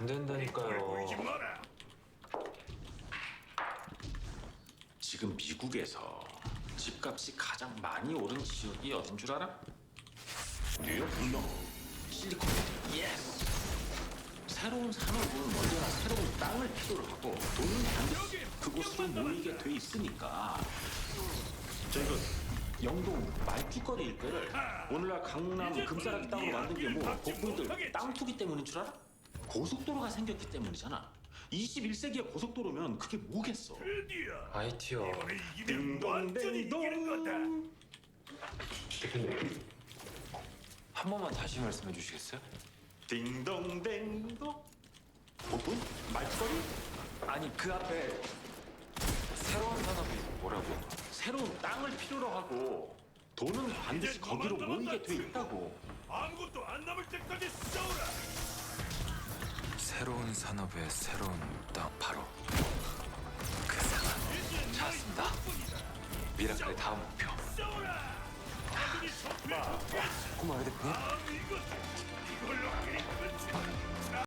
된다니까요. 마라. 지금 미국에서 집값이 가장 많이 오른 지역이 어딘 줄 알아? 뉴욕, 실리콘밸리. 예스. 새로운 산업은 언제나 새로운 땅을 필요로 하고 돈은 반드시 그곳으로 모이게 돼 있으니까. 저희가 영동 말죽거리 일대를 오늘날 강남 금싸라기 땅으로 만든 게 뭐 거꾸이들 땅 투기 때문인 줄 알아? 고속도로가 생겼기 때문이잖아. 21세기의 고속도로면 그게 뭐겠어? 드디어 IT요. 이번에 이기면 완전히 이기는 거다. 대표님, 한 번만 다시 말씀해 주시겠어요? 딩동댕동. 복분? 말죽거리? 아니, 그 앞에 새로운 산업이 뭐라고요? 새로운 땅을 필요로 하고 돈은 반드시 거기로 모이게 돼 있다고. 아무것도 안 남을 때까지 싸우라. 새로운 산업의 새로운 땅, 바로 그 상황 찾았습니다. 미라클의 다음 목표. 싸우라. 아들이 성패. 고마워요, 대표님. 이걸로 게임 끝이다.